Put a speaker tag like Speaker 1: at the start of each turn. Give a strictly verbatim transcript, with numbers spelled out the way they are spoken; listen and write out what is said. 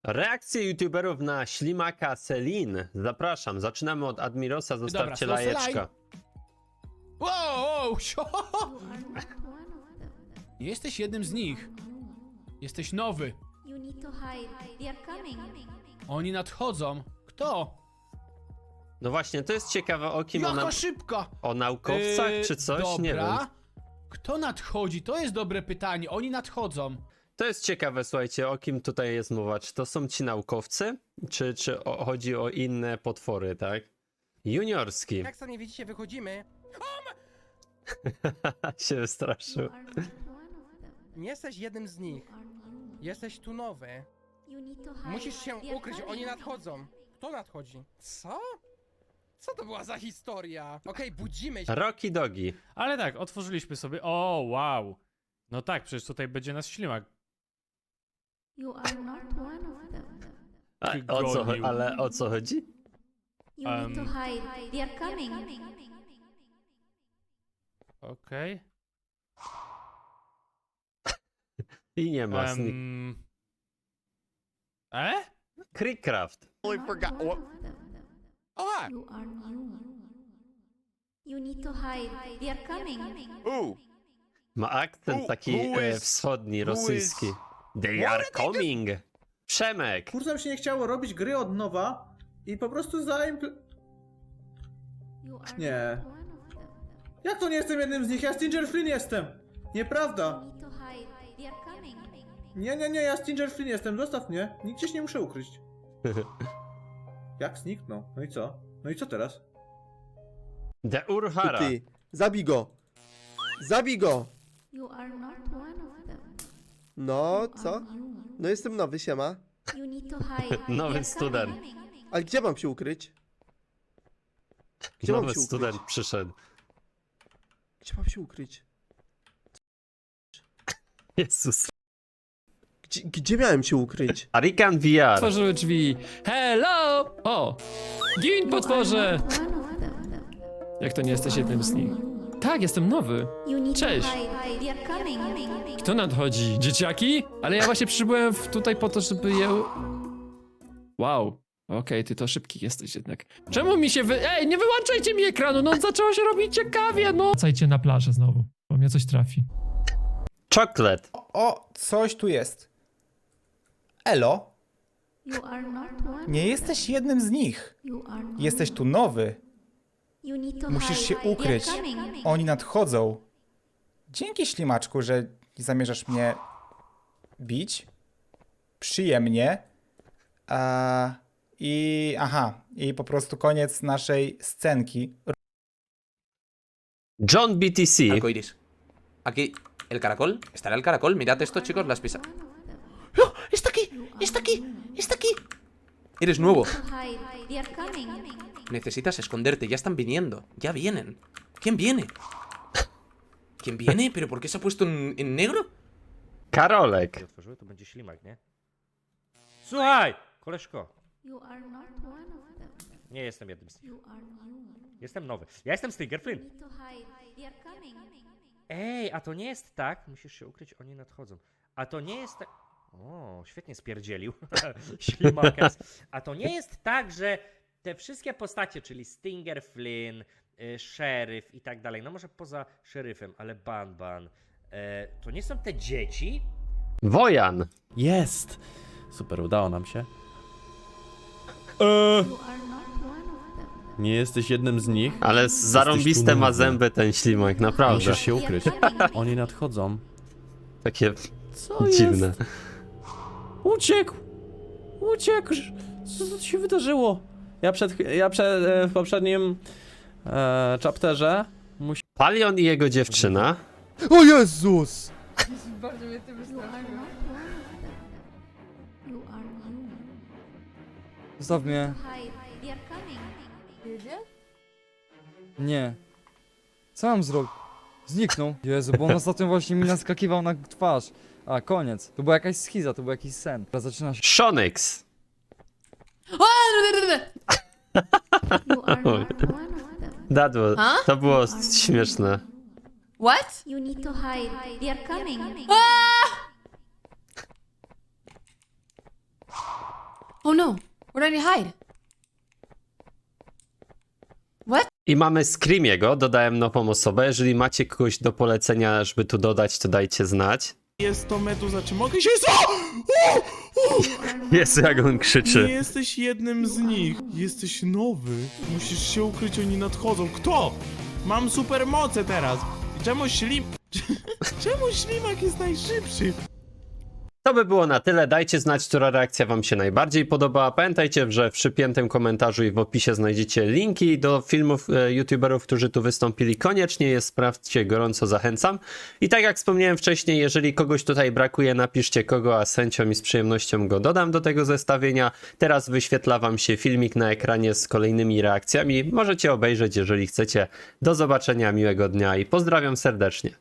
Speaker 1: Reakcje youtuberów na ślimaka Selin. Zapraszam, zaczynamy od Admirosa, zostawcie
Speaker 2: Dobra,
Speaker 1: lajeczka.
Speaker 2: Wow, wow, sio! Jesteś jednym z nich. Jesteś nowy.
Speaker 3: You need to hide. They are coming.
Speaker 2: Oni nadchodzą. Kto?
Speaker 1: No właśnie, to jest ciekawe, o kim
Speaker 2: Jaka
Speaker 1: ona...
Speaker 2: szybka!
Speaker 1: O naukowcach
Speaker 2: Yy,
Speaker 1: czy coś?
Speaker 2: Dobra.
Speaker 1: Nie wiem.
Speaker 2: Kto nadchodzi? To jest dobre pytanie. Oni nadchodzą.
Speaker 1: To jest ciekawe, słuchajcie, o kim tutaj jest mowa. Czy to są ci naukowcy? Czy, czy o, chodzi o inne potwory, tak? Juniorski.
Speaker 4: Jak sami widzicie, wychodzimy.
Speaker 1: się wystraszył.
Speaker 3: You are not one of them.
Speaker 4: Nie jesteś jednym z nich.
Speaker 3: You are new.
Speaker 4: Jesteś tu nowy.
Speaker 3: You need to hide.
Speaker 4: Musisz się
Speaker 3: They are
Speaker 4: ukryć,
Speaker 3: coming.
Speaker 4: oni nadchodzą. Kto nadchodzi? Co? Co to była za historia? Okej, budzimy się.
Speaker 1: Rocky Dogi.
Speaker 5: Ale tak, otworzyliśmy sobie. O, wow. No tak, przecież tutaj będzie nas ślimak.
Speaker 3: You are not one of them.
Speaker 1: A, o co,
Speaker 5: Gonił.
Speaker 1: ale o co chodzi?
Speaker 3: You need to
Speaker 5: Um.
Speaker 3: hide. They are coming.
Speaker 5: Okej.
Speaker 1: I nie ma. Okay.
Speaker 5: Em, E?
Speaker 1: Creekcraft.
Speaker 3: Totally forgot. One of them.
Speaker 4: O!
Speaker 3: You are new. You need to hide. They are coming.
Speaker 6: Ooh,
Speaker 1: Ma akcent
Speaker 6: Who-
Speaker 1: taki
Speaker 6: who
Speaker 1: e,
Speaker 6: is-
Speaker 1: wschodni,
Speaker 6: who
Speaker 1: rosyjski.
Speaker 6: is-
Speaker 1: They are coming. Przemek.
Speaker 7: Kurzem się nie chciało robić gry od nowa i po prostu zaimpl...
Speaker 3: You are
Speaker 7: Nie.
Speaker 3: not one of them.
Speaker 7: Jak to nie jestem jednym z nich? Ja Stinger Flynn jestem!
Speaker 3: You
Speaker 7: Nieprawda!
Speaker 3: need to hide. They are coming.
Speaker 7: Nie, nie, nie, ja Stinger Flynn jestem, zostaw mnie. Nigdzie się nie muszę ukryć. Jak zniknął? No i co? No i co teraz?
Speaker 1: The Urhara.
Speaker 6: ty, zabij go! Zabij go!
Speaker 3: You are not one of them.
Speaker 6: No,
Speaker 3: You
Speaker 6: co?
Speaker 3: are new.
Speaker 6: No jestem nowy, siema.
Speaker 3: You need to hide.
Speaker 1: Nowy
Speaker 3: They are
Speaker 1: student.
Speaker 3: coming.
Speaker 6: Ale gdzie mam się ukryć? Gdzie mam
Speaker 1: Nowy
Speaker 6: się ukryć?
Speaker 1: student przyszedł.
Speaker 6: Gdzie mam się ukryć?
Speaker 1: Jezus.
Speaker 6: Gdzie, gdzie miałem się ukryć?
Speaker 1: Arikan V R.
Speaker 8: Otworzyły drzwi. Hello! O! Gin, potworze!
Speaker 3: One of them.
Speaker 8: Jak to nie jesteś jednym z nich? Tak, jestem nowy.
Speaker 3: You need
Speaker 8: Cześć.
Speaker 3: to hide. They are coming.
Speaker 8: Kto nadchodzi? Dzieciaki? Ale ja właśnie przybyłem w- tutaj po to, żeby je... Wow. Okej, ty to szybki jesteś jednak. Czemu mi się wy... Ej, nie wyłączajcie mi ekranu, no zaczęło się robić ciekawie, no! Wracajcie na plażę znowu, bo mnie coś trafi.
Speaker 1: Chocolate.
Speaker 9: O, coś tu jest. Elo,
Speaker 3: You are not one.
Speaker 9: nie jesteś jednym z nich.
Speaker 3: You are new.
Speaker 9: Jesteś tu nowy.
Speaker 3: You need to
Speaker 9: Musisz
Speaker 3: hide.
Speaker 9: się
Speaker 3: They are
Speaker 9: ukryć.
Speaker 3: coming.
Speaker 9: Oni nadchodzą. Dzięki ślimaczku, że nie zamierzasz mnie bić. Przyjemnie. A, I aha, i po prostu koniec naszej scenki.
Speaker 1: John B T C.
Speaker 10: Arcoiris. Aquí, el caracol. ¿Estará el caracol? Mirad esto, chicos, las pisas.
Speaker 3: One of them.
Speaker 10: ¡Oh! ¡Está aquí! ¡Está aquí! ¡Está aquí! Eres nuevo.
Speaker 3: To hide. They are coming.
Speaker 10: Necesitas esconderte. Ya están viniendo. Ya vienen. ¿Quién viene? ¿Quién viene? ¿Pero por qué se ha puesto en, en negro?
Speaker 1: Karolek.
Speaker 5: Otworzyły, to będzie ślimak, nie? Słuchaj! Koleżko,
Speaker 3: You are not one of them.
Speaker 5: nie jestem jednym z nich.
Speaker 3: You are new.
Speaker 5: Jestem nowy. Ja jestem Stinger
Speaker 3: You
Speaker 5: Flynn.
Speaker 3: need to hide. They are coming.
Speaker 5: Ej, a to nie jest tak. Musisz się ukryć, oni nadchodzą. A to nie jest tak. O, świetnie spierdzielił. Ślimakers. A to nie jest tak, że te wszystkie postacie, czyli Stinger Flynn, y, szeryf i tak dalej, no może poza szeryfem, ale Ban Ban, e, to nie są te dzieci?
Speaker 1: Wojan.
Speaker 11: Jest! Super, udało nam się.
Speaker 3: You are not one of them.
Speaker 11: Nie jesteś jednym z nich.
Speaker 1: Ale zarąbiste ma zęby ten ślimak, naprawdę.
Speaker 11: Musisz się
Speaker 3: They are
Speaker 11: ukryć.
Speaker 3: coming.
Speaker 11: Oni nadchodzą.
Speaker 1: Takie
Speaker 11: Co
Speaker 1: dziwne.
Speaker 11: jest? Uciekł! Uciekł! Co co się wydarzyło? Ja przed, ja przed e, w poprzednim e, chapterze musi...
Speaker 1: Palion i jego dziewczyna.
Speaker 6: O Jezus!
Speaker 3: You are not one of them. You are new.
Speaker 12: Zostaw mnie.
Speaker 3: To hide. They are coming.
Speaker 12: Nie. Co mam zrobić? Zniknął. Jezu, bo on ostatnio właśnie mi naskakiwał na twarz. A, koniec. To była jakaś schiza, to był jakiś sen. Teraz zaczyna się...
Speaker 1: Shonix.
Speaker 3: You are not one of them.
Speaker 1: That was, to było śmieszne.
Speaker 3: What? You need to hide. They are coming. Oh no, where did I hide? What?
Speaker 1: I mamy Screamiego, dodałem nową osobę. Jeżeli macie kogoś do polecenia, żeby tu dodać, to dajcie znać.
Speaker 6: Jest to Meduza, czy mogę się... O! O! O!
Speaker 1: Jezu, jak on
Speaker 6: Nie
Speaker 1: krzyczy.
Speaker 6: jesteś jednym z nich. Jesteś nowy. Musisz się ukryć, oni nadchodzą. Kto? Mam supermoce teraz. Czemu ślim... Czemu ślimak jest najszybszy?
Speaker 1: To by było na tyle. Dajcie znać, która reakcja wam się najbardziej podobała. Pamiętajcie, że w przypiętym komentarzu i w opisie znajdziecie linki do filmów e, youtuberów, którzy tu wystąpili. Koniecznie je sprawdźcie, gorąco zachęcam. I tak jak wspomniałem wcześniej, jeżeli kogoś tutaj brakuje, napiszcie kogo, a z chęcią i z przyjemnością go dodam do tego zestawienia. Teraz wyświetla wam się filmik na ekranie z kolejnymi reakcjami. Możecie obejrzeć, jeżeli chcecie. Do zobaczenia, miłego dnia i pozdrawiam serdecznie.